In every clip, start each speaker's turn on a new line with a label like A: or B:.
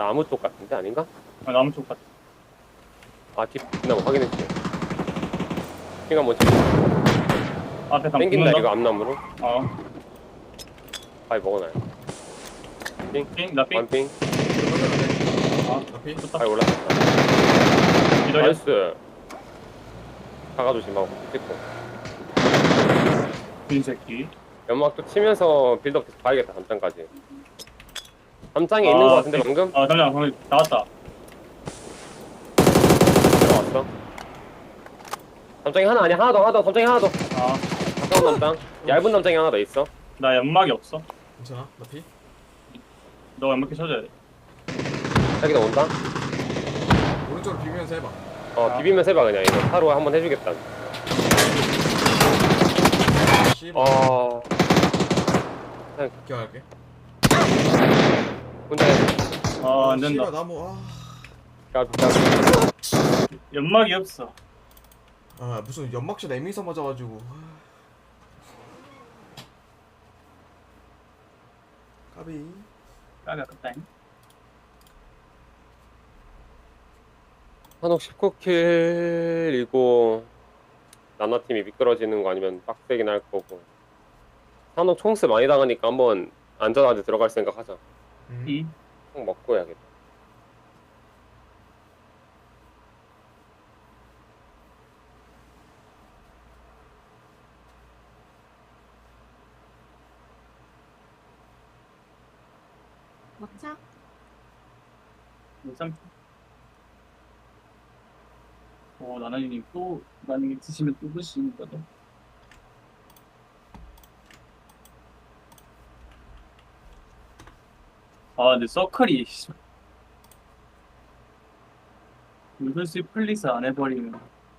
A: 나무 쪽 같은데 아닌가?
B: 아, 나무 쪽 같아.
A: 아 뒷나무 확인했지. 핑 한번 치.
B: 앞에 상
A: 땡긴다
B: 붙는다?
A: 이거 앞나무로. 바위 먹어놔요. 핑.
B: 삥? 나 삥?
A: 완핑.
C: 앞이?
B: 좋다.
A: 바위 올라갔다.
B: 기다려.
A: 나이스. 가가 조심하고 찍고.
B: 빈 새끼.
A: 연막도 치면서 빌드업 계속 봐야겠다. 3장까지. 3장에 있는 거 같은데 방금?
B: 아, 잠시만. 방금 나왔다.
A: 들어왔어. 3장이 하나 아니야. 하나 더. 3장이 하나 더.
B: 아,
A: 가까운 남장. 얇은 남장이 하나 더 있어.
B: 나 연막이 없어.
C: 괜찮아? 나피?
B: 너 연막기 쳐줘야 돼.
A: 자기도 온다.
C: 오른쪽으로 비비면서 해봐.
A: 비비면서 해봐 그냥. 이거 하루 한번 해주겠다.
C: 씨발. 기억할게.
A: 혼자 해.
B: 안 된다.
C: 씨발 나무.
B: 연막이 없어.
C: 무슨 연막샷 에미서 맞아가지고. 까비.
B: 까비 아깝다잉.
A: 한옥 19킬이고 나나팀이 미끄러지는 거 아니면 빡세긴 할 거고. 한옥 총스 많이 당하니까 한번 안전하게 들어갈 생각 하자.
B: 이?
A: 총 먹고 해야겠다.
D: 막차?
B: 쌈. 나나님 또 만약에 드시면 또 드시니까 또. 근데 서클이 물글씨 플리스 안 해버리면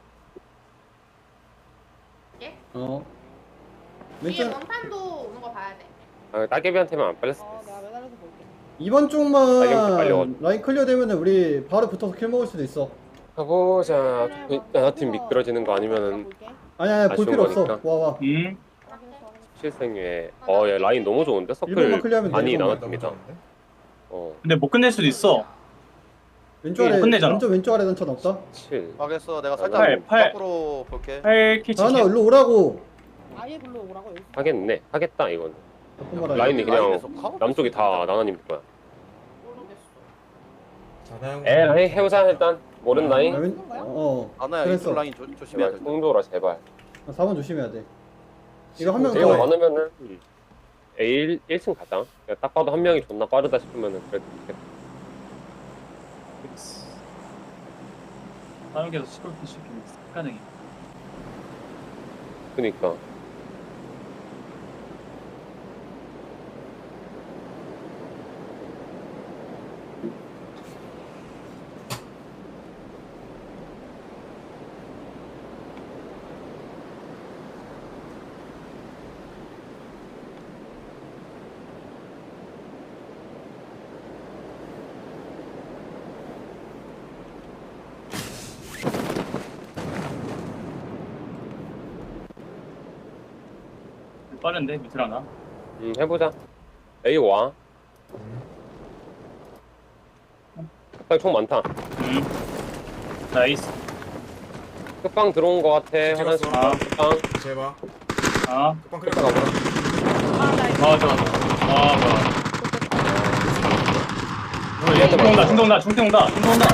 D: 예?
E: 왼쪽
D: 위에 원탄도 오는 거 봐야 돼.
A: 따개비한테만 안 빨렸어.
E: 내가 매달려서 볼게.
F: 2번
A: 빨리 빨리
F: 쪽만 라인 클리어 되면 우리 바로 붙어서 킬 먹을 수도 있어.
A: 가보자. 나나팀 미끄러지는 거 아니면은
F: 아니야 볼
A: 아쉬운
F: 필요 없어.
A: 거니까.
F: 와와.
A: 실생유에 얘 라인 너무 좋은데?
F: 1번만
A: 서클
F: 클리어하면 돼.
A: 많이
F: 1번만.
A: 나눠줍니다.
B: 근데 못 끝낼 수도 있어.
F: 왼쪽 아래
B: 끝내잖아.
F: 완전 왼쪽 아래 단차 없다.
A: 7.
G: 알겠어. 내가
A: 팔,
G: 살짝
B: 팔.
G: 밖으로 볼게.
B: 8캐치.
F: 하나 일로 오라고.
E: 아예 불러 오라고 여기.
A: 하겠네. 하겠다 이건.
F: 잠깐만
A: 라인이 그냥
G: 라인에서 카운터
A: 남쪽이 다 나나님 거야.
D: 모르겠어.
C: 자나형.
A: 에라이 해보자 일단. 모른 라인.
G: 아나야
F: 그랬어.
G: 이쪽 라인 조심해야
A: 제발
G: 돼.
A: 통도라 제발.
F: 4번 조심해야 돼. 이거 한 명
A: 내가
F: 더.
A: 많으면은 A 1층 가자. 그냥 딱 봐도 한 명이 존나 빠르다 싶으면은 그래도 좋겠다.
B: 사육에서 시골피 시키면 가능해.
A: 그니까.
B: 빠른데 밑을 하나.
A: 해보자. A 와. 끝방 총 많다.
B: 나이스.
A: 끝방 들어온 거 같아.
C: 찍었어.
A: 화장실 끝방.
C: 제발.
B: 끝방
C: 끝방 클리어.
A: 가보자.
E: 아나 이거.
B: 좋아. 뭐야.
A: 얘한테
B: 중통 온다.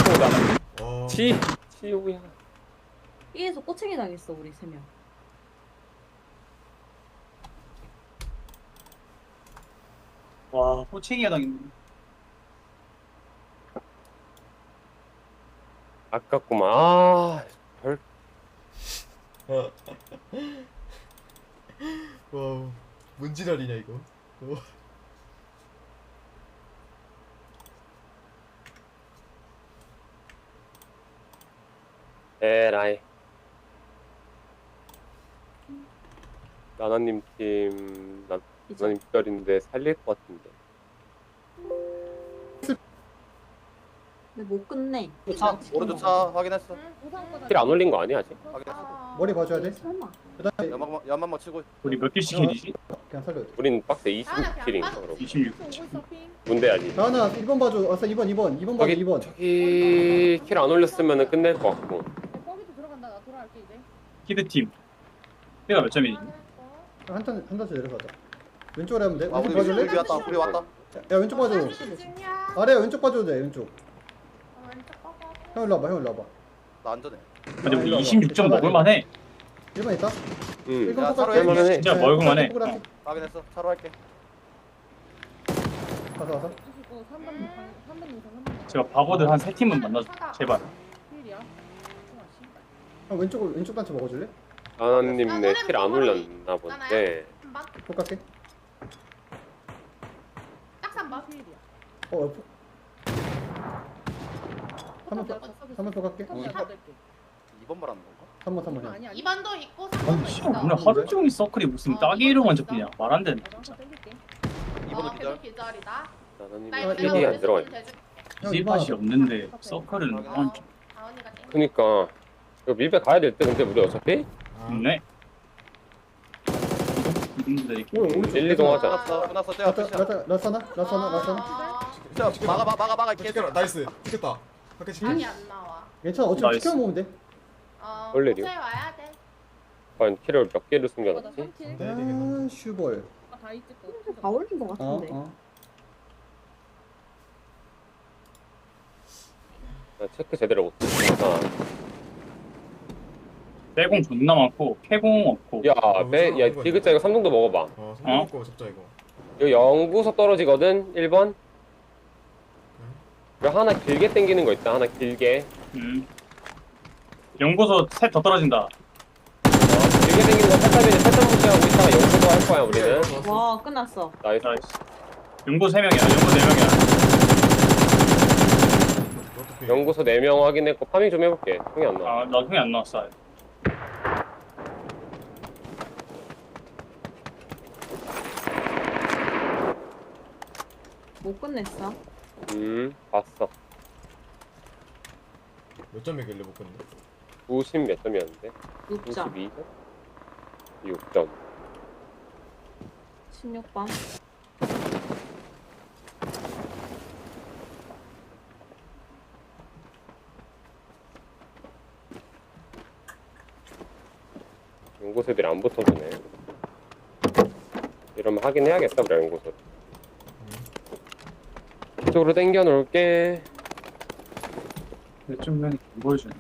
A: 치우야.
D: B에서 꼬챙이 당했어 우리 3명.
B: 와, 호칭이가 당했네.
A: 아깝구만.
C: 와, 뭔 지랄이냐 이거.
A: 에라이. 나나님 팀 나나님 별인데 살릴 것 같은데.
D: 근데 못 끝내.
G: 차 오른쪽 차 확인했어.
E: 우상 거다.
A: 킬 안 올린 거 아니야 아직?
G: 확인했어.
F: 머리 봐줘야 돼.
D: 설마.
F: 그다음에
G: 연막만 치고.
B: 우리 몇 개씩 킬이지?
F: 그냥 살려.
A: 우린 박스 26킬인가 그러고
B: 26.
E: 오고 있어 핑.
A: 문대야지.
F: 다은아 1번 봐줘. 아싸 2번 봐줘.
A: 저기
F: 2번.
A: 저기 킬 안 올렸으면 끝낼 것 같고.
E: 거기도 들어간다. 나 돌아갈게 이제.
B: 키드팀. 내가 몇 점이지?
F: 한 단씩 내려가자. 왼쪽으로 하면 돼.
G: 아
F: 왼쪽
G: 우리
F: 봐줄래?
G: 우리 왔다. 우리 왔다.
F: 야 왼쪽 봐줘. 아래 왼쪽 봐줘도 돼. 왼쪽. 형 일로 와봐. 형 일로 와봐.
G: 나 안전해.
B: 근데 우리 26점 먹을만해.
F: 1번 있다.
A: 응.
F: 1번
G: 야,
F: 똑같아.
G: 서로
A: 할만해.
B: 진짜 먹을만해.
G: 확인했어. 차로 할게.
F: 가서.
E: 25, 3번 이상 3번.
B: 제가 바보들 한 3팀은 만나줘. 제발.
E: 힐이야.
F: 형 왼쪽 단체 먹어줄래?
A: 하나님 내 킬 안 올렸나 본데.
F: 폭 갈게.
D: 딱 3번.
E: 힐이야.
F: 어. 한번 더 갈게.
G: 2번 말하는 건가?
F: 3번 형.
E: 아니야.
D: 2번도 있고
B: 아니
D: 3번도
B: 씨발
D: 있어.
B: 오늘 하루 종일 서클이 무슨 따기로만 접히냐. 말 안 되네 진짜.
G: 2번도 기절.
D: 계속 기절이다.
A: 하나님
D: 나
F: 아,
A: 킬이
F: 이거
A: 안 들어가.
F: 형,
B: 씨발이
F: 이번
B: 없는데 서클은 안
D: 다은이가 땡겨.
A: 그니까 이거 밀배 가야 될 때 근데 우리 어차피
B: 좋네. 이분들
F: 오, 오른쪽.
A: 1, 2동 하자.
G: 끝났어. 쟤가 끝이야.
F: 라사나.
G: 진짜 막아
C: 찍혀라.
G: 개새끼야.
C: 나이스. 찍혔다. 밖에 찍혔.
D: 아니 안 나와.
F: 괜찮아. 어차피
B: 나이스.
F: 지켜 먹으면 돼.
A: 원래 이래요?
D: 호텔 와야 돼.
A: 과연 킬을 몇 개를
E: 나
A: 숨겨놨지?
E: 3킬.
C: 네, 되겠네.
F: 아, 슈벌.
E: 다 있지
D: 다 올린 것
F: 어,
D: 같은데.
F: 어.
A: 나 체크 제대로 못했어.
B: 빼공 존나 많고 캐공 없고.
A: 야, 야, 디귿자 이거 3동도 먹어봐.
C: 성공 먹고 잡자 이거.
A: 이거 연구소 떨어지거든, 1번. 이거 하나 길게 당기는 거 있다, 하나 길게.
B: 연구소 셋 더 떨어진다.
A: 길게 당기는 거 살짝 무시하고 있다가 연구소 할 거야, 우리는.
D: 와 끝났어.
A: 나이스.
B: 나이스. 연구 3명이야. 연구 4명이야.
A: 연구소 4명 확인했고, 파밍 좀 해볼게. 형이 안 나와.
B: 아, 나 형이 안 나왔어. 아예.
D: 못 끝냈어.
A: 봤어.
C: 몇 점이길래 못 끊네.
A: 90 몇 점이었는데?
D: 6점.
A: 92점? 6점.
D: 16번.
A: 연구소 애들이 안 붙어주네. 이러면 하긴 해야겠다, 우리 연구소. 이쪽으로 당겨 놓을게.
B: 근데 좀 안 보여주네.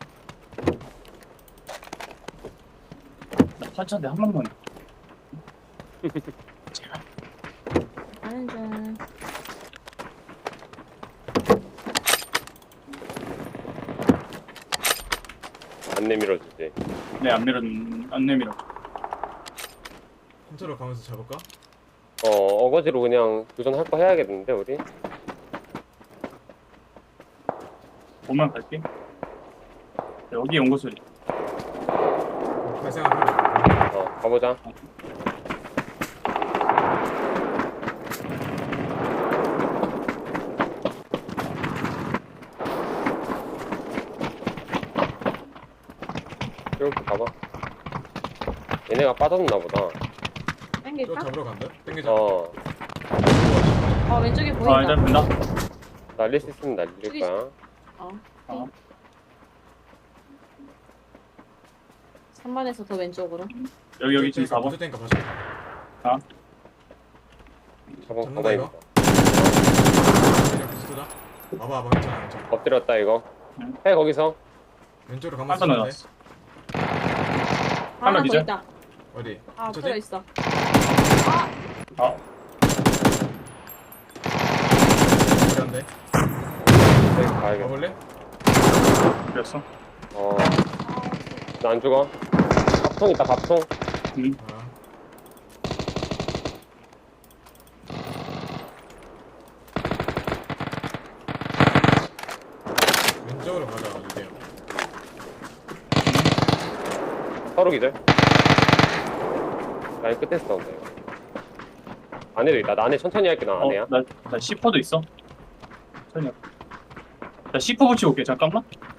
B: 나 판차인데 한 번만. 제발.
D: 하는 중.
A: 안 내밀어주지.
B: 네, 안 내밀어.
C: 한차로 가면서 잡을까?
A: 어거지로 그냥 도전할 거 해야겠는데, 우리?
B: 오면 갈게. 여기 연구소리.
C: 갈 생각하면.
A: 가보자. 이렇게 가봐. 얘네가 빠졌나 보다.
C: 저
D: 땡길까?
C: 잡으러 간다. 땡기자.
D: 왼쪽에
B: 아,
D: 보인다.
B: 일단 된다.
A: 날릴 수 있으면 날릴 거야.
B: 어.
D: 3번에서 더 왼쪽으로.
B: 여기 지금 4번.
C: 먼저 땡겨 봐줘.
A: 저번
C: 잡는다,
A: 가만히
C: 이거?
A: 있다.
C: 그냥 비슷하다. 봐봐 괜찮아 괜찮아.
A: 엎드렸다, 이거.
B: 응.
A: 해, 거기서.
C: 왼쪽으로 가면서
B: 한선
C: 잡는데.
B: 나왔어.
D: 하나 더
B: 기절?
D: 있다.
C: 어디?
D: 아,
C: 저기?
D: 엎드려 있어.
B: 아,
C: 어려운데.
A: 네, 가야겠다.
C: 가볼래?
B: 그랬어.
A: 나 안 죽어. 밥통 있다, 밥통.
C: 아. 왼쪽으로 가자 이제.
A: 서로 기절. 라인 끝에서 나온다, 이거. 안에도 있다. 나 안에 천천히 할게, 나 안에야.
B: 나 10호도 있어. 천천히. 나 C4 붙이고 올게 잠깐만.